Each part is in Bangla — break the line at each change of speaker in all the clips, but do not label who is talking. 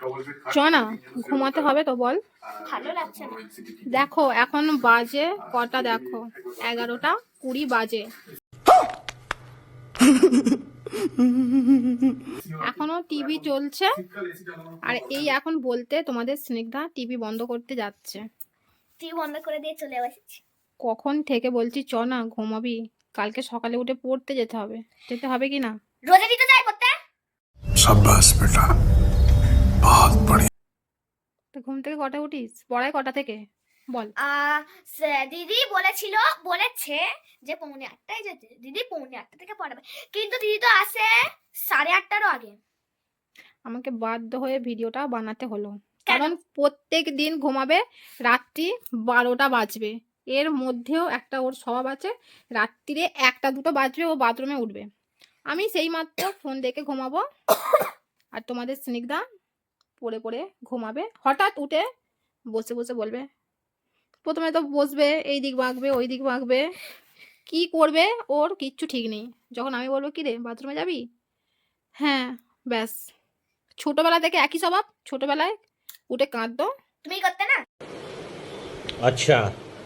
চ না, ঘুমাতে হবে তো বল।
ভালো লাগছে না।
দেখো এখন বাজে কটা, দেখো 11:20 বাজে, এখনো টিভি চলছে। আর এই এখন বলতে তোমাদের স্নিগ্ধা টিভি বন্ধ করতে যাচ্ছে।
টিভি বন্ধ করে দিয়ে চলে এসেছি।
কখন থেকে বলছি চ না ঘুমাবি, কালকে সকালে উঠে পড়তে যেতে হবে, যেতে হবে কি না?
রোজা দিতে যাই পড়তে।
शाबाश बेटा, बहुत बढ़िया।
তো ঘুম থেকে কটা উঠিস, পড়ায় কটা থেকে বল?
দিদি বলেছে যে 7:45টায় যেতে। দিদি 7:45 থেকে পড়াবে, কিন্তু দিদি তো আসে 8:30টারও আগে।
আমাকে বাধ্য হয়ে ভিডিওটা বানাতে হলো, কারণ প্রত্যেক দিন ঘুমাবে রাত্রি 12টা বাজবে। এর মধ্যেও একটা ওর স্বভাব আছে, রাত্রিরে 1টা 2টো বাজবে ও বাথরুমে উঠবে। আমি সেই মাত্র ফোন দেখে ঘুমাবো, আর তোমাদের স্নিগ্ধা পড়ে পড়ে ঘুমাবে। হঠাৎ উঠে বসে বসে বলবে, প্রথমে তো বসবে, এই দিক বাঁকবে ওই দিক বাঁকবে, কি করবে ওর কিচ্ছু ঠিক নেই। যখন আমি বলবো কি রে বাথরুমে যাবি, হ্যাঁ ব্যাস। ছোটবেলা থেকে একই স্বভাব, ছোটবেলায় উঠে কাঁদতো।
তুমি করতে না?
अच्छा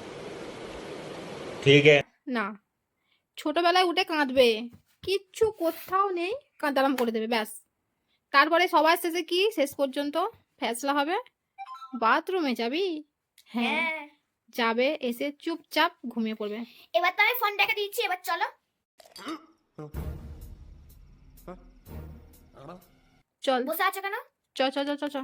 ठीक है।
না, ছোটবেলায় উঠে কাঁদবে, কিচ্ছু কোথাও নেই, কাঁদারাম করে দেবে ব্যাস। তারপরে সবার শেষে কি, শেষ পর্যন্ত ফ্যাসলা হবে, বাথরুমে যাবি, হ্যাঁ
হ্যাঁ,
যাবে, এসে চুপচাপ ঘুমিয়ে পড়বে।
এবার তো আমি ফোন রেখে দিচ্ছি, এবার চলো।
চল,
বসে আছো কেন?
চ চ চ চ চ।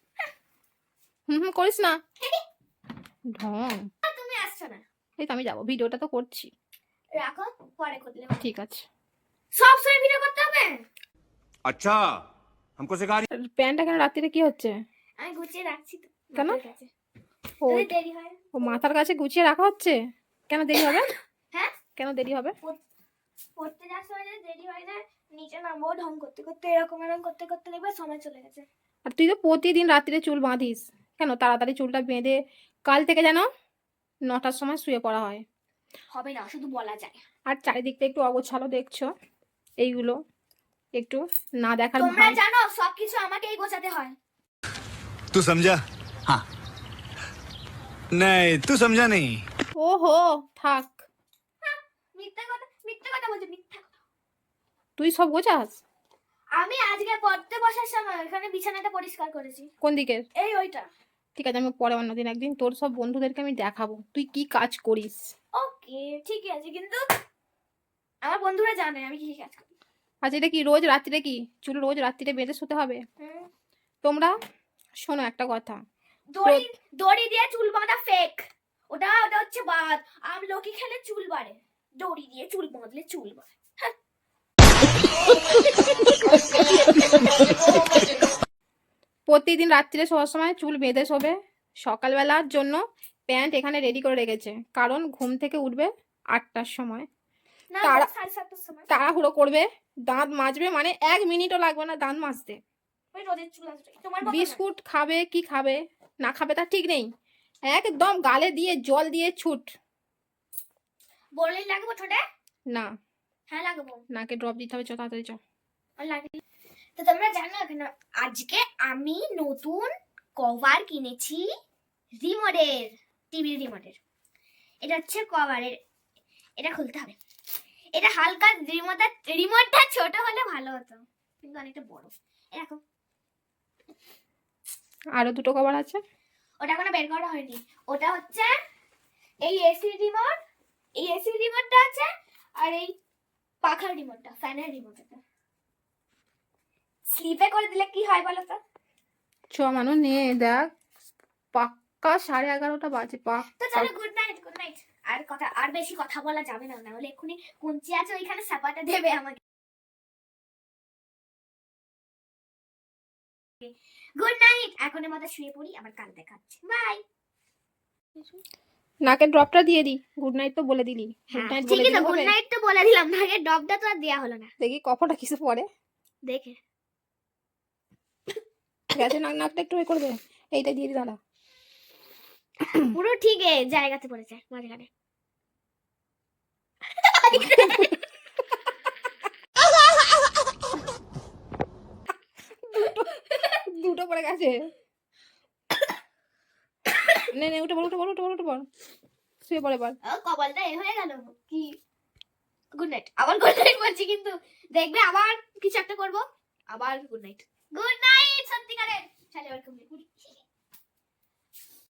করিস না ঢং।
তুমি আসছো না?
এই তো আমি যাবো, ভিডিওটা তো করছি।
রাখো, পরে করলে।
ঠিক আছে।
সব সময় ভিডিও করতে হবে?
अच्छा हमको सिखा रही।
প্যান্টটা কেন রাত্রিরে কি হচ্ছে?
আমি গুছিয়ে রাখছি তো।
কেন?
মাথার কাছে।
ও
যদি দেরি হয়।
ও মাথার কাছে গুছিয়ে রাখা হচ্ছে, কেন দেরি হবে?
হ্যাঁ,
কেন দেরি হবে?
পড়তে যাওয়ার সময় যদি দেরি হয় না, নিচে নামবো ঢং করতে করতে, এরকম করতে করতে দেখবে সময় চলে গেছে।
আর তুই তো প্রতিদিন রাত্রিরে চুল বাঁধিস, কেন তাড়াতাড়ি চুলটা বেঁধে কাল থেকে যেন 9টার সময় শুয়ে পড়া হয়।
হবে না, শুধু বলা যায়।
আর চারিদিকটা একটু অগোছালো দেখছো, এইগুলো একটু না দেখার
তোমরা
ভান।
জানো সবকিছু আমাকেই গোছাতে হয়।
तू समझा? हाँ। नहीं, तू समझा नहीं।
ওহো থাক,
মিথ্যা কথা বলছো, মিথ্যা কথা।
তুই সব গোছাস?
আমি আজকে পড়তে বসার সময় এখানে বিছানাটা পরিষ্কার করেছি।
কোন দিকের?
এই ওইটা।
ঠিক আছে, আমি পরে অন্যদিন একদিন তোর সব বন্ধুদেরকে আমি দেখাবো তুই কি কাজ করিস।
ওকে ঠিক আছে, কিন্তু আমার বন্ধুরা জানে আমি কি কাজ করি।
আচ্ছা এটা কি রোজ রাত্রিরে, কি চুল রোজ রাত্রিরে বেঁধে শুতে হবে?
হুম।
তোমরা শোনো একটা কথা,
দড়ি দিয়ে চুল বাঁধা ফেক। ওটা হচ্ছে বাদ। আমলকি খেলে চুল বাড়ে, দড়ি দিয়ে চুল বাঁধলে চুল বাড়ে।
প্রতিদিন রাত্রিরে শোয়ার সময় চুল বেঁধে শোবে। সকালবেলার জন্য প্যান্ট এখানে রেডি করে রেখেছে, কারণ ঘুম থেকে উঠবে 8টার সময়,
না,
তারা-
7:30টার সময়।
তাড়াহুড়ো করবে, দাঁত মাজবে, মানে 1 মিনিটও লাগবে না দাঁত মাজতে।
ওই রোদের চুল আসবে তোমার কথা না।
বিস্কুট খাবে কি খাবে না খাবে তার ঠিক নেই, একদম গালে দিয়ে জল দিয়ে ছুট।
বলেই লাগবো ঠোঁটে?
না,
হ্যাঁ লাগবো।
নাকে ড্রপ দিতে হবে, চ তাড়াতাড়ি চ।
লাগবে। তো তোমরা জানো এখন আজকে আমি নতুন কভার কিনেছি রিমোটের, টিভির রিমোটের। এটা হচ্ছে কভারের, এটা খুলতে হবে। এটা হালকা রিমোটটা ছোট হলে ভালো হতো, কিন্তু অনেকটা বড়। দেখো
আরো দুটো কভার আছে,
ওটা এখনো বের করা হয়নি। ওটা হচ্ছে এই এসি রিমোট, এই এসি রিমোটটা আছে, আর এই পাখার রিমোটটা, ফ্যানের রিমোটটা। স্লিপে করে দিলে কি হয় বলো তো?
চ মানুষ নিয়ে দেখ, পাক্কা 11:30 বাজে
তো
পাক্কা।
চলো, গুড নাইট, গুড নাইট। আর বেশি কথা বলা যাবে না, না হলে এক্ষুনি কুঞ্চি আছে ওইখানে সাপাটা দেবে আমাকে। গুড নাইট, এখনের মতো শুয়ে পড়ি, আবার কাল দেখাচ্ছে, বাই।
নাকে ড্রপটা দিয়ে দি, গুড নাইট তো বলে দিলি, গুড নাইট বলে
ঠিকই তো,
দিলে
গুড
হবে?
নাইট তো বলে দিলাম, আগে ডবটা তো আর দেয়া হলো না।
দেখি কপটা কিসে পড়ে,
দেখে
গেছে নাকটা একটু করে দে, এইটা দিয়ে দি দাঁড়া।
পুরো ঠিক জায়গাতে পড়েছে মাঝখানে।
উঠে পড়ে গেছে। নে নে উঠে পড় উঠে পড় উঠে পড় উঠে পড়, শুয়ে পড়ে এবার।
কপালটা এ হয়ে গেল কি। গুড নাইট, আবার গুড নাইট বলছি, কিন্তু দেখবে আবার কিছু একটা করবো, আবার গুড নাইট। গুড নাইট সত্যিকারের। চলে এবার ঘুমিয়ে পড়ি।